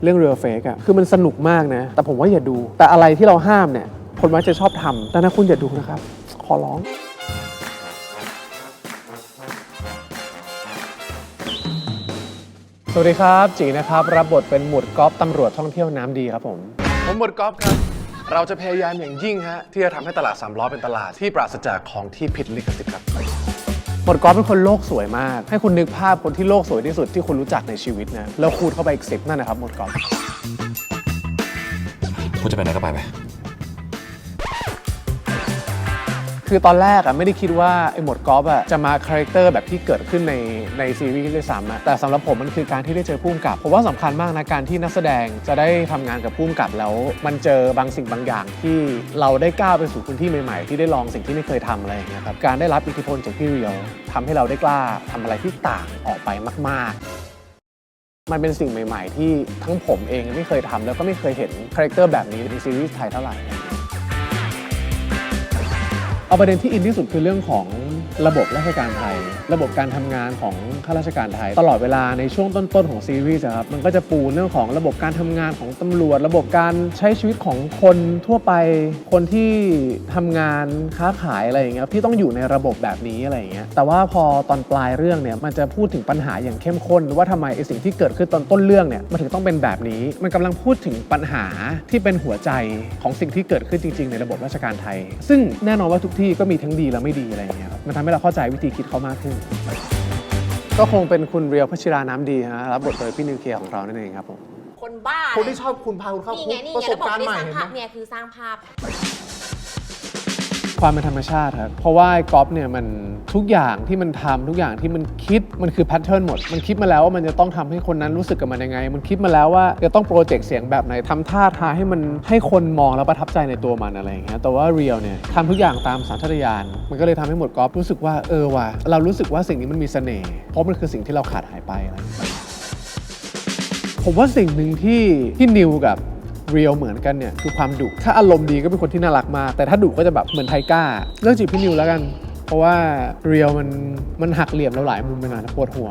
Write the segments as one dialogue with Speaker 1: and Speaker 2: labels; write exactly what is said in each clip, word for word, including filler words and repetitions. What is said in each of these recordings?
Speaker 1: เรื่อง Real Fake อะคือมันสนุกมากนะแต่ผมว่าอย่าดูแต่อะไรที่เราห้ามเนี่ยคนมักจะชอบทำแต่ถ้าคุณอย่าดูนะครับขอร้องสวัสดีครับจีนะครับรับบทเป็นหมวดก๊อฟตำรวจท่องเที่ยวน้ำดีครับผม
Speaker 2: ผมหมวดก๊อฟครับเราจะพยายามอย่างยิ่งฮะที่จะทำให้ตลาดสามล้อเป็นตลาดที่ปราศจากของที่ผิดลิขสิทธิ์ครับ
Speaker 1: หมวดก๊อฟเป็นคนโลกสวยมากให้คุณนึกภาพคนที่โลกสวยที่สุดที่คุณรู้จักในชีวิตนะแล้วคูณเข้าไปอีกสิบนั่นนะครับหมวดก๊อฟ
Speaker 3: คุณจะไปไหนก็ไปไป
Speaker 1: คือตอนแรกอะไม่ได้คิดว่าไอ้หมวดกอล์ฟอะจะมาคาแรคเตอร์แบบที่เกิดขึ้นในในซีรีส์ด้วยซ้ำอะแต่สำหรับผมมันคือการที่ได้เจอผู้กำกับผมว่าสำคัญมากนะการที่นักแสดงจะได้ทำงานกับผู้กำกับแล้วมันเจอบางสิ่งบางอย่างที่เราได้ก้าวไปสู่พื้นที่ใหม่ๆที่ได้ลองสิ่งที่ไม่เคยทำอะไรอย่างเงี้ยครับการได้รับอิทธิพลจากพี่เรียวทำให้เราได้กล้าทำอะไรที่ต่างออกไปมากๆมันเป็นสิ่งใหม่ๆที่ทั้งผมเองไม่เคยทำแล้วก็ไม่เคยเห็นคาแรคเตอร์แบบนี้ในซีรีส์ไทยเท่าไหร่เอาประเด็นที่อินที่สุดคือเรื่องของระบบราชการไทยระบบการทำงานของข้าราชการไทยตลอดเวลาในช่วงต้นๆของซีรีส์ครับมันก็จะปูเรื่องของระบบการทำงานของตำรวจระบบการใช้ชีวิตของคนทั่วไปคนที่ทำงานค้าขายอะไรอย่างเงี้ยที่ต้องอยู่ในระบบแบบนี้อะไรอย่างเงี้ยแต่ว่าพอตอนปลายเรื่องเนี่ยมันจะพูดถึงปัญหาอย่างเข้มข้นว่าทำไมไอ้สิ่งที่เกิดขึ้นตอนต้นเรื่องเนี่ยมันถึงต้องเป็นแบบนี้มันกำลังพูดถึงปัญหาที่เป็นหัวใจของสิ่งที่เกิดขึ้นจริงๆในระบบราชการไทยซึ่งแน่นอนว่าทุกที่ก็มีทั้งดีและไม่ดีอะไรอย่างเงี้ยครับมันทำให้เราเข้าใจวิธีคิดเขามากขึ้นก็คงเป็นคุณเรียวพัชราน้ำดีฮะรับบทโดยพี่นิวเคลียร์ของเรานั่นเองครับผม
Speaker 4: คนบ้า
Speaker 2: คนที่ชอบคุณพาคุณเข้าคุกประสบการณ์ใหม่เห็นไหม
Speaker 4: เนี่ยคือสร้างภาพ
Speaker 1: ความเป็นธรรมชาติครับเพราะว่าก๊อฟเนี่ยมันทุกอย่างที่มันทำทุกอย่างที่มันคิดมันคือแพทเทิร์นหมดมันคิดมาแล้วว่ามันจะต้องทำให้คนนั้นรู้สึกกับมันยังไงมันคิดมาแล้วว่าจะต้องโปรเจกต์เสียงแบบไหนทำท่าทางให้มันให้คนมองแล้วประทับใจในตัวมันอะไรอย่างเงี้ยแต่ว่าเรียลเนี่ยทำทุกอย่างตามสัญชาตญาณมันก็เลยทำให้หมดก๊อฟรู้สึกว่าเออว่ะเรารู้สึกว่าสิ่งนี้มันมีเสน่ห์เพราะมันคือสิ่งที่เราขาดหายไปอะไรผมว่าสิ่งหนึ่งที่ที่นิวกับเรียลเหมือนกันเนี่ยคือความดุถ้าอารมณ์ดีก็เป็นคนที่น่ารักมากแต่ถ้าดุก็จะแบบเหมือนไทก้าเลือกจีบพี่นิวแล้วกันเพราะว่าเรียลมันมันหักเหลี่ยมเราหลายมุมไปหน่อยปวดหัว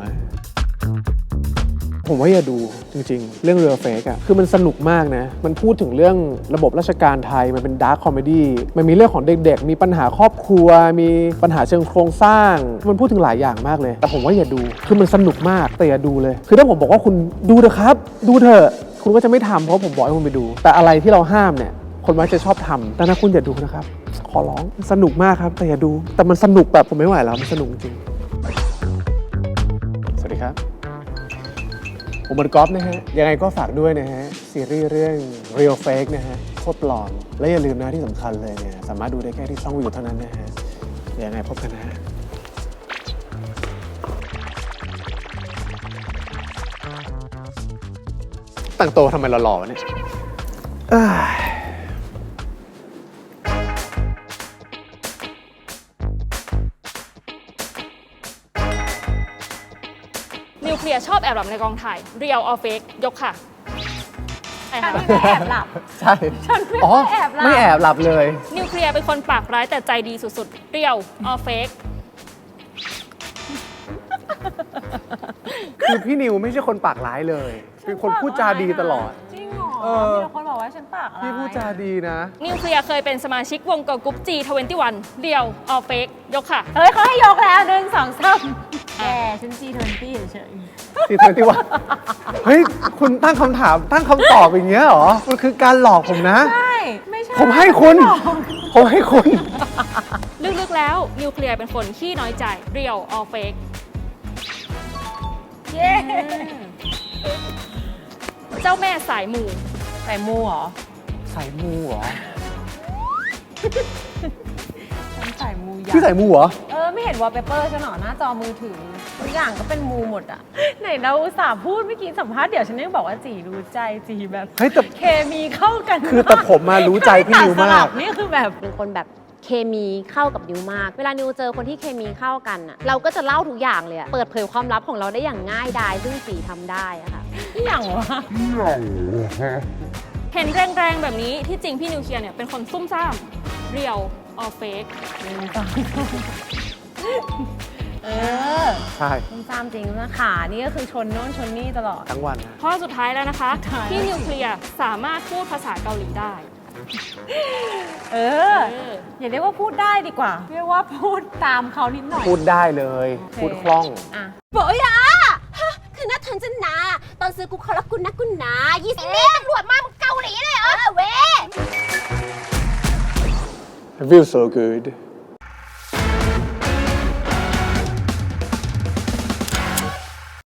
Speaker 1: ผมว่าอย่าดูจริงๆเรื่อง Real Fake อะคือมันสนุกมากนะมันพูดถึงเรื่องระบบราชการไทยมันเป็นดาร์คคอมเมดี้มันมีเรื่องของเด็กๆมีปัญหาครอบครัวมีปัญหาเชิงโครงสร้างมันพูดถึงหลายอย่างมากเลยแต่ผมว่าอย่าดูคือมันสนุกมากแต่อย่าดูเลยคือถ้าผมบอกว่าคุณดูเถอะครับดูเถอะคุณก็จะไม่ทำเพราะผมบอกให้คุณไปดูแต่อะไรที่เราห้ามเนี่ยคนมักจะชอบทำแต่ถ้าคุณอย่าดูนะครับขอร้องสนุกมากครับแต่อย่าดูแต่มันสนุกแบบผมไม่ไหวแล้วมันสนุกจริงสวัสดีครับผมบอลกอล์ฟนะฮะยังไงก็ฝากด้วยนะฮะซีรีส์เรื่อง Real Fake นะฮะโคตรปลอมและอย่าลืมนะที่สำคัญเลยเนี่ยสามารถดูได้แค่ที่ช่องวิวเท่านั้นนะฮะยังไงพบกันนะฮะตั้งโตทำไมหล่อๆวะเนี่ย
Speaker 5: นิวเคลียร์ชอบแอบหลับในกองถ่าย Real or Fake ยกค่ะใช่ค่ะ
Speaker 4: ไม่แอบหลับ
Speaker 1: ใช่
Speaker 4: ฉันไม่แอบหลับ
Speaker 1: ไม่แอบหลับเลย
Speaker 5: นิวเคลียร์เป็นคนปากร้ายแต่ใจดีสุดๆ Real or Fake
Speaker 1: คือพี่นิวไม่ใช่คนปากร้ายเลยเป็นคนพูดจาดีตลอด
Speaker 4: จริงเหรอมีคนบอกว่าฉันปากร้าย
Speaker 1: พี่พูดจาดีนะ
Speaker 5: นิวเคลียร์เคยเป็นสมาชิกวงเกิร์ลกรุ๊ป จี ทเวนตี้วัน Real or Fake ยกค่ะ
Speaker 4: เฮ้ยเขาให้ยกแล้วหนึ่งสองสามแกฉัน จี ทเวนตี้ เฉย
Speaker 1: ๆ จี ทเวนตี้วัน เฮ้ยคุณตั้งคำถามตั้งคำตอบอย่างเงี้ยเหรอมันคือการหลอกผมนะ
Speaker 4: ใช่ไม่ใช่
Speaker 1: ผมให้คุณผมให้คุณ
Speaker 5: ลึกๆแล้วนิวเคลียร์เป็นคนขี้น้อยใจ Real or Fake
Speaker 4: เย้
Speaker 5: เจ้าแม่สายมู
Speaker 4: สายมูเหรอ
Speaker 1: สายมูเหรอ
Speaker 4: ฉันสายมู
Speaker 1: พี่สายมูเหรอ
Speaker 4: เออไม่เห็นวอลเปเปอร์ฉันหรอหน้าจอมือถือทุกอย่างก็เป็นมูหมดอะไหนเราอุตส่าห์พูดเมื่อกี้สัมภาษณ์เดี๋ยวฉันยังบอกว่าจีรู้ใจจีแบบ
Speaker 1: เฮ้ยแต่
Speaker 4: เคมีเข้ากัน
Speaker 1: คือแต่ผมมารู้ใจพี่นิวมาก
Speaker 4: นี่คือแบบเป็นคนแบบเคมีเข้ากับนิวมากเวลานิวเจอคนที่เคมีเข้ากันอะเราก็จะเล่าทุกอย่างเลยเปิดเผยความลับของเราได้อย่างง่ายดายซึ่งจีทำได้อะค่ะนี่อย่างวะ
Speaker 5: เห็นแรงๆแบบนี้ที่จริงพี่นิวเคลียร์เนี่ยเป็นคนซุ่มซ่าม Real or Fake
Speaker 4: เอออ
Speaker 1: ใช่
Speaker 4: ซุ่มซ่ามจริงนะขานี่ก็คือชนโน่นชนนี่ตลอด
Speaker 1: ทั้งวันนะ
Speaker 5: ข้อสุดท้ายแล้วนะคะ
Speaker 4: สุดท้าย
Speaker 5: ที่นิวเคลียร์สามารถพูดภาษาเกาหลีได้
Speaker 4: เออ อย่าเรียกว่าพูดได้ดีกว่า เรียกว่าพูดตามเขานิดหน่อย
Speaker 1: พูดได้เลย พูดคล่อง
Speaker 4: อ่ะ
Speaker 3: บอกอย่าฮะคือน่าทันจะนาตอนซื้อกูเขารักกูนะกูนายี่สิบนี่ตำรวจมามึงเกาหลีเลยเหรอเว้
Speaker 1: I feel so good